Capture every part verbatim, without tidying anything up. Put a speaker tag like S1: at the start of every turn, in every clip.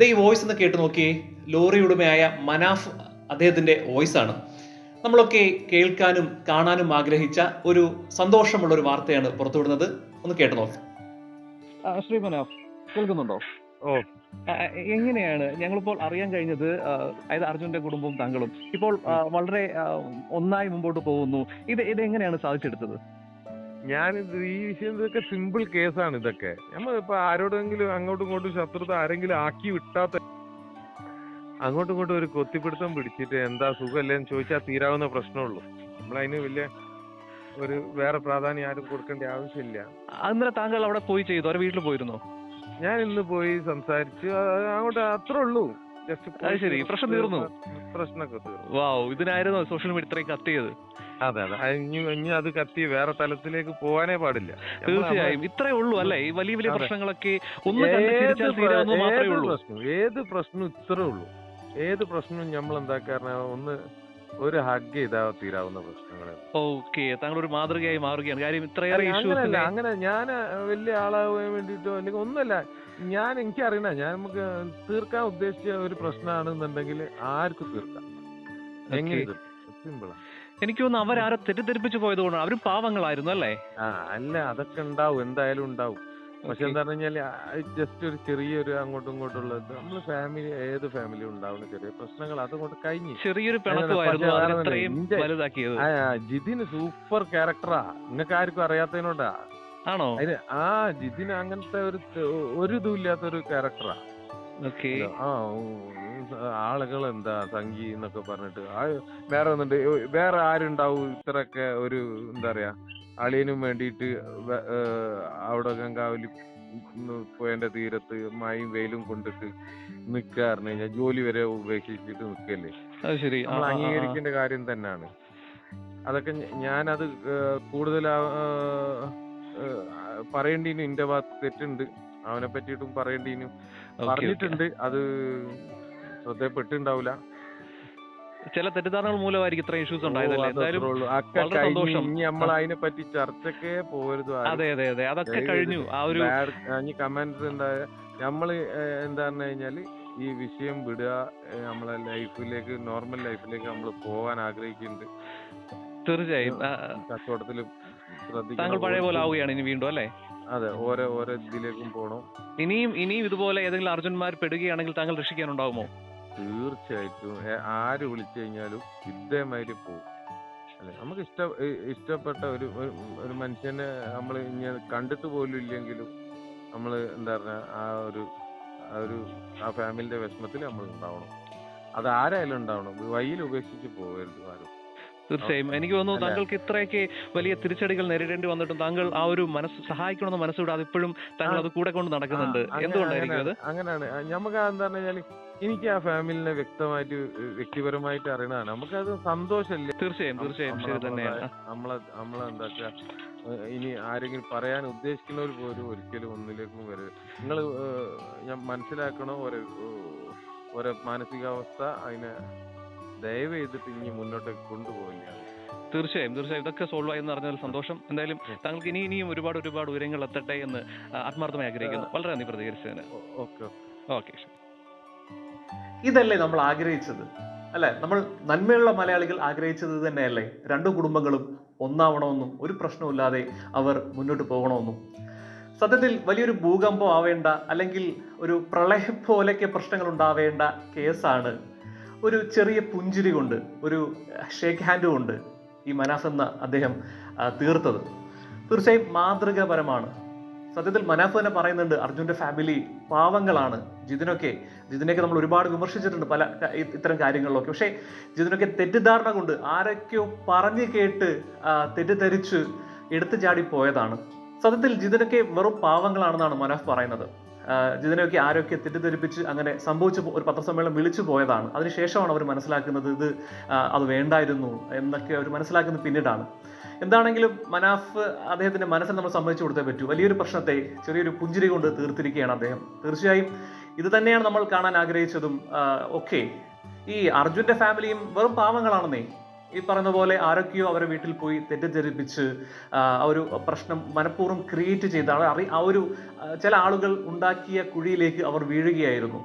S1: ദേ ഈ വോയിസ് ഒന്ന് കേട്ട് നോക്കിയേ. ലോറി ഉടമയായ മനാഫ് അദ്ദേഹത്തിന്റെ വോയിസ് ആണ്. നമ്മളൊക്കെ കേൾക്കാനും കാണാനും ആഗ്രഹിച്ച ഒരു സന്തോഷമുള്ള ഒരു വാർത്തയാണ് പുറത്തുവിടുന്നത്. ഒന്ന് കേട്ട് നോക്കാം.
S2: ആ, ശ്രീ മനാഫ് കേൾക്കുന്നുണ്ടോ?
S3: ഓ
S2: ആ, എങ്ങനെയാണ് ഞങ്ങളിപ്പോൾ അറിയാൻ കഴിഞ്ഞത്? ആ, അതായത് അർജുന്റെ കുടുംബവും താങ്കളും ഇപ്പോൾ ആ, വളരെ ആ, ഒന്നായി മുമ്പോട്ട് പോകുന്നു. ഇത് ഇത് എങ്ങനെയാണ് സാധിച്ചെടുത്തത്?
S3: ഞാനിത് ഈ വിഷയം ഇതൊക്കെ സിമ്പിൾ കേസാണ്. ഇതൊക്കെ നമ്മൾ ഇപ്പൊ ആരോടെങ്കിലും അങ്ങോട്ടും ഇങ്ങോട്ടും ശത്രുത ആരെങ്കിലും ആക്കി വിട്ടാത്ത അങ്ങോട്ടും ഇങ്ങോട്ടും ഒരു കൊത്തിപ്പിടുത്തം പിടിച്ചിട്ട് എന്താ സുഖമല്ലേന്ന് ചോദിച്ചാൽ തീരാവുന്ന പ്രശ്നമുള്ളൂ. നമ്മളതിന് വലിയ ഒരു വേറെ പ്രാധാന്യം ആരും കൊടുക്കേണ്ട ആവശ്യമില്ല.
S2: അന്നേരം താങ്കൾ അവിടെ പോയി ചെയ്തു, അവരെ വീട്ടിൽ പോയിരുന്നോ?
S3: ഞാൻ ഇന്ന് പോയി സംസാരിച്ചു, ആ, അങ്ങോട്ട് അത്രേ ഉള്ളൂ. ജസ്റ്റ്
S2: അത് ശരി, പ്രശ്നം തീർന്നു.
S3: പ്രശ്നമൊക്കെ തീർന്നു.
S2: വാവ്, ഇതിനായിരുന്നു സോഷ്യൽ മീഡിയ ഇത്രയും കത്തിയത്.
S3: അതെ അതെ അത് ഇനി ഇനി അത് കത്തി വേറെ തലത്തിലേക്ക് പോകാനേ പാടില്ല.
S2: തീർച്ചയായും ഇത്രേ ഉള്ളൂ അല്ലേ? ഈ വലിയ വലിയ
S3: അതെ.
S2: പ്രശ്നങ്ങളൊക്കെ ഒന്ന് കണ്ട്
S3: ഏത്
S2: ചിരിച്ചാൽ
S3: പ്ര-
S2: തീരാവുന്നത് മാത്രമേ
S3: ഏത്
S2: ഉള്ളൂ.
S3: പ്രശ്നവും ഏത് പ്രശ്നവും ഇത്രേ ഉള്ളൂ. ഏത് പ്രശ്നവും നമ്മൾ എന്താക്കാറ ഒന്ന് ഒരു ഹഗ് ചെയ്താ തീരാവുന്ന പ്രശ്നങ്ങളെ.
S2: ഓക്കെ, താങ്കൾ ഒരു മാതൃകയായി മാറുകയാണ്. കാര്യം ഇത്രയേറെ
S3: അങ്ങനല്ല,
S2: ഇഷ്യൂസ്.
S3: അങ്ങനെ ഞാൻ വലിയ ആളാവാൻ വേണ്ടിട്ടോ അല്ലെങ്കിൽ ഒന്നുമല്ല. ഞാൻ എനിക്കറിയണ ഞാൻ നമുക്ക് തീർക്കാൻ ഉദ്ദേശിച്ച ഒരു പ്രശ്നമാണെന്നുണ്ടെങ്കിൽ ആർക്കും തീർക്കാം. എങ്ങനെ തീർക്കാം? സിമ്പിളാ.
S2: എനിക്ക് തോന്നുന്നു അവരാരോ തെറ്റിദ്ധരിപ്പിച്ചു പോയത് കൊണ്ടാണ്. അവരും പാവങ്ങളായിരുന്നു അല്ലേ?
S3: ആ അല്ല, അതൊക്കെ ഉണ്ടാവും, എന്തായാലും ഉണ്ടാവും. പക്ഷെ
S2: Okay.
S3: എന്താ പറഞ്ഞു കഴിഞ്ഞാല് ജസ്റ്റ് ഒരു ചെറിയൊരു അങ്ങോട്ടും ഇങ്ങോട്ടുള്ള നമ്മള് ഫാമിലി ഏത് ഫാമിലി ഉണ്ടാവുന്ന ചെറിയ പ്രശ്നങ്ങൾ അതുകൊണ്ട് കഴിഞ്ഞു.
S2: ചെറിയൊരു പിണക്കമായിരുന്നു അതിനെ ഇത്രയും വലുതാക്കിയത്.
S3: ആ ജിതിന് സൂപ്പർ ക്യാരക്ടറാ, നിങ്ങൾക്ക് ആർക്കും അറിയാത്തതിനോടാ.
S2: ആണോ?
S3: അതിന് ആ ജിതിന് അങ്ങനത്തെ ഒരു ഒരു ഇതും ഇല്ലാത്തൊരു ക്യാരക്ടറാ.
S2: ഓക്കെ.
S3: ആ ആളുകൾ എന്താ സംഗി എന്നൊക്കെ പറഞ്ഞിട്ട് ആ വേറെ ഒന്നുണ്ട്, വേറെ ആരുണ്ടാവും ഇത്രയൊക്കെ ഒരു എന്താ പറയാ അളിയനും വേണ്ടിയിട്ട് അവിടെ ഗംഗാവലി പോയതിന്റെ തീരത്ത് മഴയും വെയിലും കൊണ്ടിട്ട് നിക്കാറിന് കഴിഞ്ഞാൽ ജോലി വരെ ഉപേക്ഷിച്ചിട്ട് നിക്കല്ലേ.
S2: അത് ശരി. ആ,
S3: നമ്മൾ
S2: ആ, ആ.
S3: അംഗീകരിക്കേണ്ട കാര്യം തന്നെയാണ്. അതൊക്കെ ഞ- ഞാനത് കൂടുതൽ പറയേണ്ടിനും എന്റെ ഭാഗത്ത് തെറ്റുണ്ട്, അവനെ പറ്റിയിട്ടും പറയേണ്ടിനും
S2: Okay, okay.
S3: പറഞ്ഞിട്ടുണ്ട്. അത് ശ്രദ്ധപ്പെട്ടിണ്ടാവില്ല.
S2: ചില തെറ്റിദ്ധാരണകൾ മൂലമായിരിക്കും ഇത്രയും ഇഷ്യൂസ് ഉണ്ടായതല്ലേ? എന്തായാലും വളരെ സന്തോഷം.
S3: ഇനി നമ്മൾ അതിനെ പറ്റി ചർച്ചക്കേ പോരുത്.
S2: അതെ അതെ അതെ, അതൊക്കെ കഴിഞ്ഞു. ആ ഒരു
S3: ഇനി കമന്റ്സ് ഉണ്ടായ നമ്മള് എന്താ പറഞ്ഞു കഴിഞ്ഞാല് ഈ വിഷയം വിടുക, ഏഹ് നമ്മളെ ലൈഫിലേക്ക് നോർമൽ ലൈഫിലേക്ക് നമ്മൾ പോകാൻ ആഗ്രഹിക്കുന്നുണ്ട്.
S2: തീർച്ചയായും ആ,
S3: കച്ചവടത്തില്
S2: താങ്കൾ
S3: ശ്രദ്ധിക്കണം.
S2: പഴയ പോലെ ആവുകയാണ് ഇനി വീണ്ടും അല്ലേ?
S3: അതെ, ഓരോ ഓരോ ഇതിലേക്കും പോണം.
S2: ഇനിയും ഇനിയും ഇതുപോലെ ഏതെങ്കിലും അർജുന്മാർ പെടുകയാണെങ്കിൽ താങ്കൾ രക്ഷിക്കാനുണ്ടാവുമോ?
S3: തീർച്ചയായിട്ടും ഏ- ആര് വിളിച്ചു കഴിഞ്ഞാലും ഇതേമാതിരി പോകും. അല്ലെ, നമുക്ക് ഇഷ്ട ഇ- ഇഷ്ടപ്പെട്ട ഒരു ഒരു- ഒരു മനുഷ്യനെ നമ്മൾ ഇനി കണ്ടിട്ട് പോലും ഇല്ലെങ്കിലും നമ്മൾ എന്താ പറഞ്ഞ ആ ഒരു ആ ഒരു ആ ഫാമിലിന്റെ വിഷമത്തിൽ നമ്മൾ ഉണ്ടാവണം. അത് ആരായാലും ഉണ്ടാവണം. വഴിയിൽ ഉപേക്ഷിച്ച് പോകരുത് ആരും.
S2: തീർച്ചയായും എനിക്ക് തോന്നുന്നു
S3: അല്ലേ?
S2: താങ്കൾക്ക് ഇത്രയൊക്കെ വലിയ തിരിച്ചടികൾ നേരിടേണ്ടി വന്നിട്ടും താങ്കൾ ആ ഒരു മനസ്സ് സഹായിക്കണമെന്ന് മനസ്സുകൂടാതെ ഇപ്പോഴും താങ്കൾ അത് കൂടെ കൊണ്ട് നടക്കുന്നുണ്ട്.
S3: ആ, അങ്ങനെ-
S2: എന്തുകൊണ്ടായിരിക്കും അത്?
S3: അങ്ങനെയാണ് അങ്ങനെയാണ്. നമുക്ക് എന്താ പറഞ്ഞാല് എനിക്ക് ആ ഫാമിലിനെ വ്യക്തമായിട്ട് വ്യക്തിപരമായിട്ട് അറിയണതാണ്. നമുക്കത് സന്തോഷമല്ലേ.
S2: തീർച്ചയായും തീർച്ചയായും ശരി തന്നെയാണ്.
S3: നമ്മളെ നമ്മളെ എന്താ വെച്ചാ ഏഹ് ഇനി ആരെങ്കിലും പറയാൻ ഉദ്ദേശിക്കുന്നവർ പോലും ഒരിക്കലും ഒന്നിലേക്കും വരരുത്. നിങ്ങൾ ഞാൻ മനസ്സിലാക്കണോ ഓരോ ഓരോ മാനസികാവസ്ഥ, അതിനെ ദയവ് ചെയ്തിട്ട് ഇനി മുന്നോട്ടേക്ക് കൊണ്ടുപോകില്ല.
S2: തീർച്ചയായും തീർച്ചയായും ഇതൊക്കെ സോൾവ് ആയി എന്ന് അറിഞ്ഞാൽ സന്തോഷം. എന്തായാലും താങ്കൾക്ക് ഇനി ഇനിയും ഒരുപാട് ഒരുപാട് ഉയരങ്ങൾ എത്തട്ടെ എന്ന് ആ, ആത്മാർത്ഥമായി ആഗ്രഹിക്കുന്നു. വളരെ നന്ദി പ്രതികരിച്ചതിന്.
S3: Okay
S2: okay.
S1: ഇതല്ലേ നമ്മൾ ആഗ്രഹിച്ചത് അല്ലെ? നമ്മൾ നന്മയുള്ള മലയാളികൾ ആഗ്രഹിച്ചത് ഇത് തന്നെയല്ലേ? രണ്ടു കുടുംബങ്ങളും ഒന്നാവണമെന്നും ഒരു പ്രശ്നമില്ലാതെ അവർ മുന്നോട്ട് പോകണമെന്നും. സത്യത്തിൽ വലിയൊരു ഭൂകമ്പം ആവേണ്ട അല്ലെങ്കിൽ ഒരു പ്രളയം പോലെയൊക്കെ പ്രശ്നങ്ങൾ ഉണ്ടാവേണ്ട കേസാണ് ഒരു ചെറിയ പുഞ്ചിരി കൊണ്ട്, ഒരു ഷേക്ക് ഹാൻഡ് കൊണ്ട് ഈ മനാഫ് എന്ന അദ്ദേഹം ആ, തീർത്തത്. തീർച്ചയായും മാതൃകാപരമാണ്. സത്യത്തിൽ മനാഫ് തന്നെ പറയുന്നുണ്ട് അർജുന്റെ ഫാമിലി പാവങ്ങളാണ്. ജിതിനൊക്കെ ജിതിനൊക്കെ നമ്മൾ ഒരുപാട് വിമർശിച്ചിട്ടുണ്ട് പല ക- ഇ- ഇത്തരം കാര്യങ്ങളിലൊക്കെ. പക്ഷേ ജിതിനൊക്കെ തെറ്റിദ്ധാരണ കൊണ്ട് ആരൊക്കെയോ പറഞ്ഞു കേട്ട് ആ, തെറ്റിദ്ധരിച്ച് എടുത്തു ചാടി പോയതാണ്. സത്യത്തിൽ ജിതിനൊക്കെ വെറും പാവങ്ങളാണെന്നാണ് മനാഫ് പറയുന്നത്. ആ, ജിതിനൊക്കെ ആരൊക്കെ തെറ്റിദ്ധരിപ്പിച്ച് അങ്ങനെ സംഭവിച്ചു പോ- ഒരു പത്രസമ്മേളനം വിളിച്ചു പോയതാണ്. അതിനുശേഷമാണ് അവർ മനസ്സിലാക്കുന്നത് ഇത് ആ, അത് വേണ്ടായിരുന്നു എന്നൊക്കെ അവർ മനസ്സിലാക്കുന്നത് പിന്നീടാണ്. എന്താണെങ്കിലും മനാഫ് അദ്ദേഹത്തിന്റെ മനസ്സിൽ നമ്മൾ സമ്മതിച്ചു കൊടുത്തേ പറ്റൂ. വലിയൊരു പ്രശ്നത്തെ ചെറിയൊരു പുഞ്ചിരി കൊണ്ട് തീർത്തിരിക്കുകയാണ് അദ്ദേഹം. തീർച്ചയായും ഇത് തന്നെയാണ് നമ്മൾ കാണാൻ ആഗ്രഹിച്ചതും. ഓക്കെ, ഈ അർജുന്റെ ഫാമിലിയും വെറും പാവങ്ങളാണെന്നേ. ഈ പറയുന്ന പോലെ ആരൊക്കെയോ അവരെ വീട്ടിൽ പോയി തെറ്റിദ്ധരിപ്പിച്ച് ആ ഒരു പ്രശ്നം മനഃപൂർവ്വം ക്രിയേറ്റ് ചെയ്താണ് അറി ആ ഒരു ചില ആളുകൾ ഉണ്ടാക്കിയ കുഴിയിലേക്ക് അവർ വീഴുകയായിരുന്നു.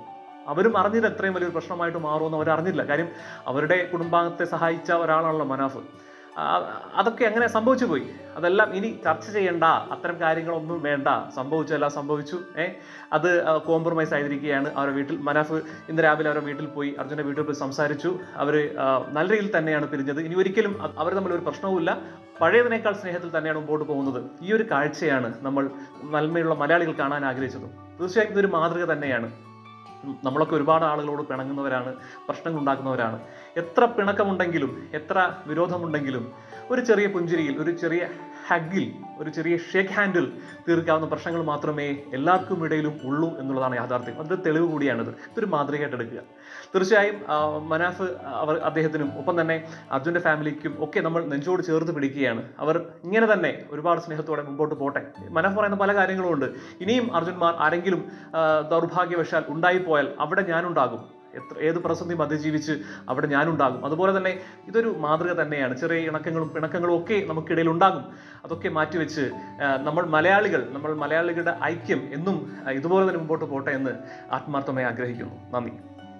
S1: അവരും അറിഞ്ഞില്ല എത്രയും വലിയൊരു പ്രശ്നമായിട്ട് മാറുമെന്ന് അവർ അറിഞ്ഞില്ല. കാര്യം അവരുടെ കുടുംബാംഗത്തെ സഹായിച്ച ഒരാളാണല്ലോ മനാഫ്. അതൊക്കെ അങ്ങനെ സംഭവിച്ചു പോയി. അതെല്ലാം ഇനി ചർച്ച ചെയ്യേണ്ട, അത്തരം കാര്യങ്ങളൊന്നും വേണ്ട. സംഭവിച്ചെല്ലാം സംഭവിച്ചു. ഏഹ് അത് കോംപ്രമൈസ് ആയിരിക്കുകയാണ് അവരുടെ വീട്ടിൽ. മനാഫ് ഇന്ന് രാവിലെ അവരുടെ വീട്ടിൽ പോയി, അർജുൻ്റെ വീട്ടിൽ പോയി സംസാരിച്ചു. അവർ നല്ല രീതിയിൽ തന്നെയാണ് പിരിഞ്ഞത്. ഇനി ഒരിക്കലും അവർ തമ്മിൽ ഒരു പ്രശ്നവുമില്ല. പഴയതിനേക്കാൾ സ്നേഹത്തിൽ തന്നെയാണ് മുമ്പോട്ട് പോകുന്നത്. ഈ ഒരു കാഴ്ചയാണ് നമ്മൾ നന്മയുള്ള മലയാളികൾ കാണാൻ ആഗ്രഹിച്ചതും. തീർച്ചയായും ഇതൊരു മാതൃക തന്നെയാണ്. നമ്മളൊക്കെ ഒരുപാട് ആളുകളോട് പിണങ്ങുന്നവരാണ്, പ്രശ്നങ്ങൾ ഉണ്ടാക്കുന്നവരാണ്. എത്ര പിണക്കമുണ്ടെങ്കിലും എത്ര വിരോധമുണ്ടെങ്കിലും ഒരു ചെറിയ പുഞ്ചിരിയിൽ, ഒരു ചെറിയ ഹഗ്ഗിൽ, ഒരു ചെറിയ ഷേക്ക് ഹാൻഡിൽ തീർക്കാവുന്ന പ്രശ്നങ്ങൾ മാത്രമേ എല്ലാവർക്കും ഇടയിലും ഉള്ളൂ എന്നുള്ളതാണ് യാഥാർത്ഥ്യം. അത് തെളിവ് കൂടിയാണിത്. ഇതൊരു മാതൃകയായിട്ട് എടുക്കുക. തീർച്ചയായും മനാഫ് അവർ അദ്ദേഹത്തിനും ഒപ്പം തന്നെ അർജുൻ്റെ ഫാമിലിക്കും ഒക്കെ നമ്മൾ നെഞ്ചോട് ചേർത്ത് പിടിക്കുകയാണ്. അവർ ഇങ്ങനെ തന്നെ ഒരുപാട് സ്നേഹത്തോടെ മുമ്പോട്ട് പോട്ടെ. മനാഫ് പറയുന്ന പല കാര്യങ്ങളും ഉണ്ട്. ഇനിയും അർജുന്മാർ ആരെങ്കിലും ദൗർഭാഗ്യവശാൽ ഉണ്ടായിപ്പോയാൽ അവിടെ ഞാനുണ്ടാകും. എത്ര ഏത് പ്രതിസന്ധിയും അതിജീവിച്ച് അവിടെ ഞാനുണ്ടാകും. അതുപോലെ തന്നെ ഇതൊരു മാതൃക തന്നെയാണ്. ചെറിയ ഇണക്കങ്ങളും പിണക്കങ്ങളും ഒക്കെ നമുക്കിടയിൽ ഉണ്ടാകും. അതൊക്കെ മാറ്റിവെച്ച് നമ്മൾ മലയാളികൾ നമ്മൾ മലയാളികളുടെ ഐക്യം എന്നും ഇതുപോലെ തന്നെ മുമ്പോട്ട് പോട്ടെ എന്ന് ആത്മാർത്ഥമായി ആഗ്രഹിക്കുന്നു. നന്ദി.